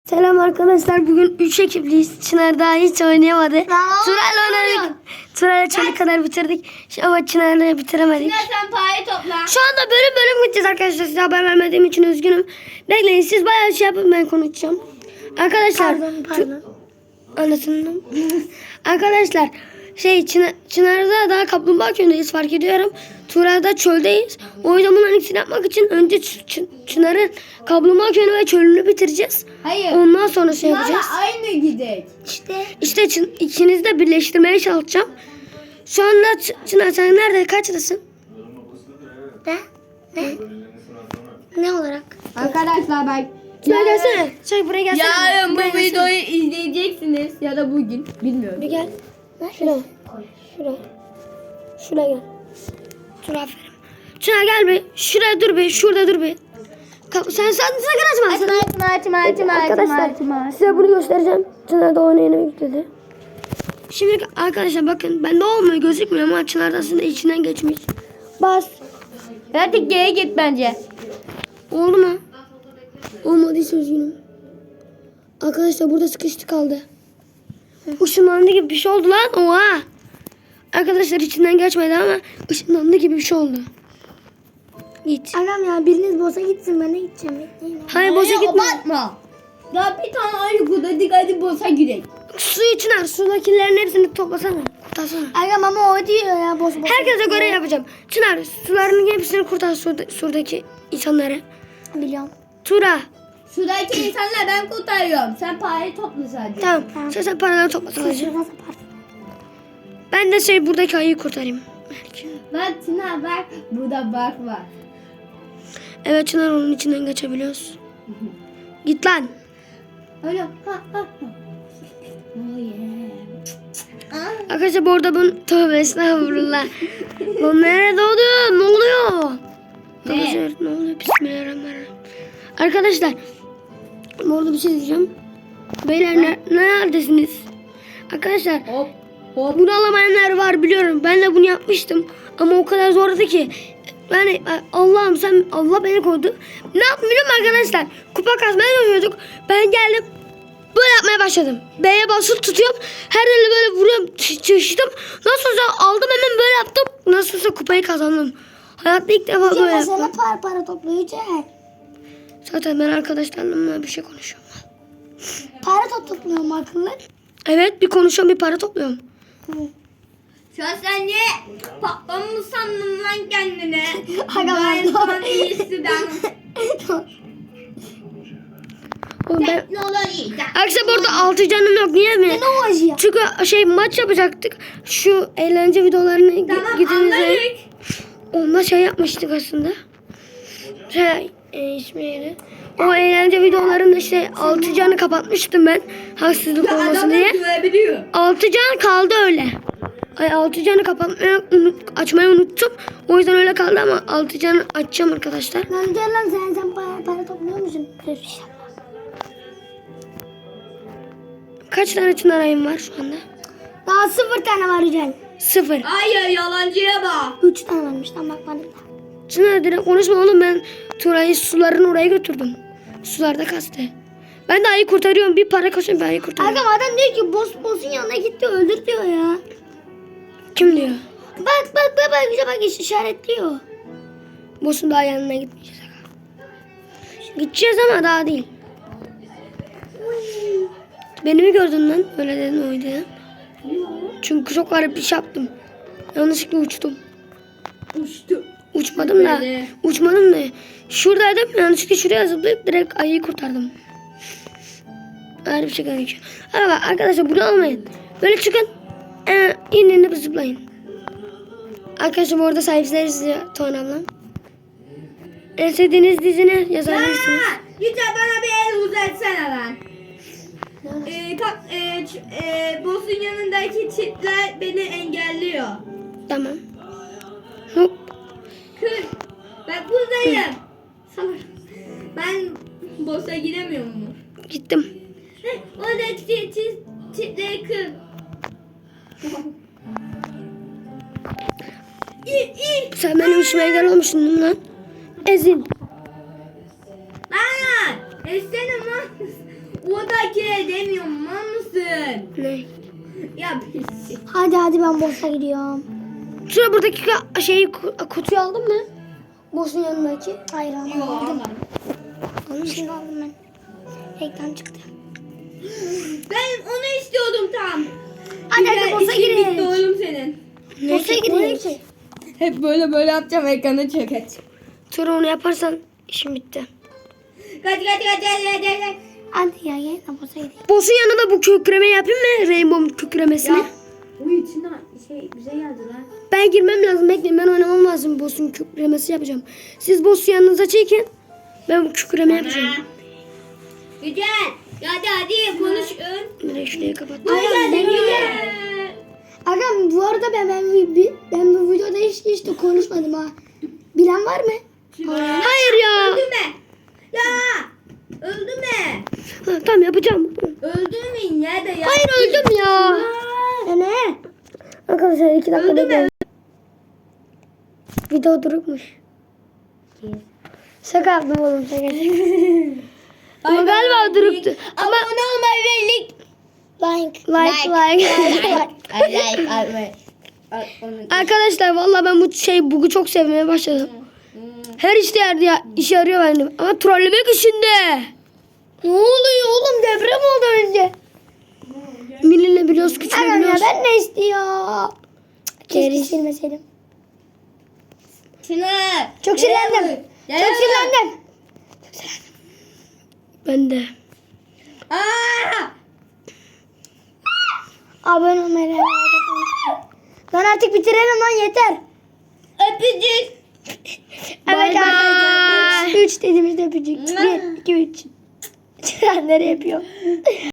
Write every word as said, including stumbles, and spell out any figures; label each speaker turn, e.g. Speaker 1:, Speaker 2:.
Speaker 1: Selam arkadaşlar. Bugün üç ekipliyiz. Çınar daha hiç oynayamadı. Turay'la oynadık. Turay'la çana kadar bitirdik. Şu- Ama Çınar'la bitiremedik.
Speaker 2: Çınar sen parayı topla.
Speaker 1: Şu anda bölüm bölüm gideceğiz arkadaşlar. Size haber vermediğim için üzgünüm. Bekleyin, siz bayağı şey yapın, ben konuşacağım. Arkadaşlar.
Speaker 3: Pardon, pardon.
Speaker 1: Anlatın. Arkadaşlar şey Çınar, Çınar'da daha kaplumbağa köyündeyiz, fark ediyorum. Turay'da çöldeyiz. O yüzden bunların ikisini yapmak için önce Ç- Ç- Çınar'ın kaplumbağa köyünü ve çölünü bitireceğiz.
Speaker 2: Hayır.
Speaker 1: Ondan sonra şey yapacağız.
Speaker 2: Çınar'la aynı gidek.
Speaker 3: İşte
Speaker 1: İşte Çın- ikinizi de birleştirmeye çalışacağım. Şu anda Ç- Çınar sen nerede, kaçtasın?
Speaker 3: ne? Ne? Ne olarak?
Speaker 2: Arkadaşlar bak.
Speaker 1: Çınar gelsene. Şey buraya gelsene.
Speaker 2: Yarın bu
Speaker 1: Buraya gelsene.
Speaker 2: videoyu izleyeceksiniz ya da bugün bilmiyorum.
Speaker 1: Bir gel. Şuraya. Şuraya. Şuraya gel. Dur, aferin. Çınar gel bir. Şuraya dur bir. Şurada dur bir. Kap- Sen sen sakın açma.
Speaker 2: Açma açma açma açma
Speaker 1: Arkadaşlar size bunu göstereceğim. Çınar da onu yeni yükledi. Şimdi arkadaşlar bakın, bende olmuyor, gözükmüyor ama Çınar da aslında içinden geçmiş. Bas.
Speaker 2: Artık geri git bence.
Speaker 1: Oldu mu? Olmadıysa üzgünüm. Arkadaşlar burada sıkıştı kaldı. Işınlandı gibi bir şey oldu lan. Oha. Arkadaşlar içinden geçmedi ama ışınlandı gibi bir şey oldu. Git.
Speaker 3: Agam ya biriniz boza gitsin, ben de gideceğim. Bekleyin.
Speaker 1: Hayır, boşa gitme.
Speaker 2: Abartma. Ya bir tane ayı kudadık, hadi boşa gidelim.
Speaker 1: Su Çınar, sudakilerin hepsini toplasana. Kurtarsana.
Speaker 3: Agam ama o diyor ya boz boz.
Speaker 1: Herkese göre yapacağım. Çınar, suların hepsini kurtar, surda, surdaki insanları.
Speaker 3: Biliyorum.
Speaker 1: Tura.
Speaker 2: Şuradaki insanlar ben kurtarıyorum. Sen parayı topla sadece.
Speaker 1: Tamam.
Speaker 3: Tamam.
Speaker 1: Sen, sen paraları topla sadece.
Speaker 3: Şurada saparsın.
Speaker 1: Ben de şey buradaki ayıyı kurtarayım. Belki.
Speaker 2: Bak Çınar bak. Burada bak var.
Speaker 1: Evet Çınar, onun içinden geçebiliyoruz. Git lan.
Speaker 2: Öyle. Ha ha ha. Oh yeah. Aa.
Speaker 1: Arkadaşlar bu arada ben tövbe estağfurullah. Lan nerede oldu? Ne oluyor?
Speaker 2: Ne?
Speaker 1: Arkadaşlar, ne oluyor? Bismillahirrahmanirrahim. Arkadaşlar bu arada bir şey diyeceğim. Beyler ne, neredesiniz? Arkadaşlar
Speaker 2: Hop hop.
Speaker 1: bunu alamayanlar var biliyorum. Ben de bunu yapmıştım. Ama o kadar zordu ki. Yani Allah'ım sen, Allah beni koydu. Ne yaptım biliyor musun arkadaşlar? Kupa kasmaya çalışıyorduk. Ben geldim. Böyle yapmaya başladım. B'ye basılı tutuyorum. Her yeri böyle vuruyorum. Çeşittim. Nasılsa aldım, hemen böyle yaptım. Nasılsa kupayı kazandım. Hayatta ilk defa böyle
Speaker 3: Cem
Speaker 1: yaptım.
Speaker 3: sana para para topluyor Cem.
Speaker 1: Zaten ben arkadaşlarımla bir şey konuşuyorum.
Speaker 3: Para top topluyorum akıllı.
Speaker 1: Evet, bir konuşuyorum, bir para topluyorum.
Speaker 2: Şu an sen niye patlamış sandın lan kendine?
Speaker 3: Aga
Speaker 2: Ben
Speaker 3: ben-
Speaker 2: sana iyisi ben.
Speaker 1: Oğlum ben...
Speaker 2: Teknoloji.
Speaker 1: Arkadaşlar burada altı canım yok. Niye mi?
Speaker 3: Ne o acı ya?
Speaker 1: Çünkü şey maç yapacaktık. Şu eğlence videolarını
Speaker 2: Tamam
Speaker 1: gidinize.
Speaker 2: anladık.
Speaker 1: Onda şey yapmıştık aslında. Şey e, ismi neydi? O eğlence videolarında işte altı canı kapatmıştım ben. Haksızlık olmasın
Speaker 2: Adamlar
Speaker 1: diye.
Speaker 2: görebiliyor.
Speaker 1: altı can kaldı öyle. Ay altı canı kapatmayı unut, açmayı unuttum. O yüzden öyle kaldı ama altı canı açacağım arkadaşlar.
Speaker 3: Lan gel lan sen sen para, para topluyor musun? Dur işte.
Speaker 1: Kaç tane çınar ayım var şu anda?
Speaker 3: Daha sıfır tane var Yücel.
Speaker 1: Sıfır.
Speaker 2: Hayır yalancıya bak.
Speaker 3: Üç tane varmış, tam bakmadım da.
Speaker 1: Çınar direkt konuşma oğlum, ben Turay'ı suların oraya götürdüm. Sularda kastı. Ben de ayı kurtarıyorum. Bir para koşuyorum, bir ayı kurtarıyorum.
Speaker 3: Agam adam diyor ki boss boss'un yanına gitti öldür diyor ya.
Speaker 1: Kim diyor?
Speaker 3: Bak bak bak bak bize bak iş- işaretliyor.
Speaker 1: Boss'un daha yanına gitmeyeceğiz. Gideceğiz ama daha değil. Beni mi gördün lan? Öyle dedin, oydu ya. Çünkü çok garip bir şey yaptım. Yanlışlıkla uçtum.
Speaker 2: Uçtu.
Speaker 1: Uçmadım da.
Speaker 2: Böyle.
Speaker 1: Uçmadım da. Şuradaydım. Yanlışlıkla şuraya zıplayıp direkt ayıyı kurtardım. Öyle bir şey gerekiyor. Hadi bak arkadaşlar, bunu almayın. Böyle çıkın. Ee, inin inip zıplayın. Arkadaşlar bu arada sahipler izliyor Tuğan ablam. En sevdiğiniz dizini yazabilirsiniz.
Speaker 2: Ha, Yüce bana bir el uzatsana lan. Ee, kap, e, ç- e, boss'un yanındaki çiftler beni engelliyor.
Speaker 1: Tamam. Hop.
Speaker 2: Kır. Ben buradayım. Salak. Ben boss'a giremiyor mu?
Speaker 1: Gittim.
Speaker 2: Heh, oradaki çift, çift, çiftleri kır. İn in.
Speaker 1: Sen benim işime engel olmuşsun değil mi lan? Ezin.
Speaker 2: Lan! Essene lan. Buradaki demiyorum mal mısın?
Speaker 1: Ne?
Speaker 2: Ya pis.
Speaker 3: Hadi hadi ben boss'a gidiyorum.
Speaker 1: Şuraya buradaki ka- şeyi ku- kutuyu aldın mı? Boss'un yanındaki.
Speaker 3: Hayır ama
Speaker 2: Yok
Speaker 3: aldım.
Speaker 2: almadım.
Speaker 3: Aldım şimdi aldım ben. Ekran çıktı.
Speaker 2: Ben onu istiyordum tam.
Speaker 3: Hadi hadi
Speaker 2: Güzel,
Speaker 3: boss'a
Speaker 2: işin bitti
Speaker 3: girelim.
Speaker 2: oğlum senin.
Speaker 3: Boss'a girelim.
Speaker 2: Hep böyle böyle yapacağım ekranı çöket.
Speaker 1: Sonra onu yaparsan işim bitti.
Speaker 2: Kaç kaç kaç kaç kaç kaç.
Speaker 3: Hadi ya gel de boss'a gidelim.
Speaker 1: Boss'un yanında bu kükreme yapayım mı? Rainbow kükremesini.
Speaker 2: Ya. Uy içinden şey bize geldi lan.
Speaker 1: Ben girmem lazım. Bekleyin, ben oynamam lazım. Boss'un kükremesi yapacağım. Siz boss'u yanınıza çekin. Ben bu kükreme yapacağım.
Speaker 2: Güzel. Ya hadi hadi konuş.
Speaker 1: Direkt şurayı kapat.
Speaker 2: Güzel
Speaker 3: ben-
Speaker 2: güzel.
Speaker 3: Agam bu arada ben ben, ben, ben bu videoda hiç, hiç de konuşmadım ha. Bilen var mı?
Speaker 1: Hayır ya.
Speaker 2: Öldü mü? Ya. Öldü mü?
Speaker 1: Ha, tamam yapacağım.
Speaker 2: Öldü mü? Nerede ya?
Speaker 1: Hayır öldüm ya.
Speaker 3: E ne?
Speaker 1: Arkadaşlar iki dakika
Speaker 2: Öldü mü?
Speaker 1: bekleyin. Video durukmuş. Şaka yaptım oğlum, şaka. Ama galiba duruktu. Ama
Speaker 2: Abone olmayı ve like.
Speaker 3: Like.
Speaker 1: like like.
Speaker 2: Like like.
Speaker 1: Arkadaşlar vallahi ben bu şey bug'u çok sevmeye başladım. Her işte yerde ya, işe yarıyor bende. Ama trollemek işinde.
Speaker 3: Ne oluyor oğlum, deprem oldu önce.
Speaker 1: Milinle biliyoruz,
Speaker 3: Agam ya
Speaker 1: küçülebiliyoruz.
Speaker 3: ben ne istiyor? Keşke silmeseydim.
Speaker 2: Şunu.
Speaker 3: Çok sinirlendim. Çok sinirlendim.
Speaker 1: Ben de.
Speaker 2: Aa!
Speaker 3: Abone olmayı like atmayı. Lan artık bitirelim lan, yeter.
Speaker 2: Öpücük.
Speaker 3: Evet
Speaker 1: Bye
Speaker 3: arkadaşlar.
Speaker 1: bye.
Speaker 3: Üç dediğimizde öpücük. Bir, iki, üç. Nereye yapıyor?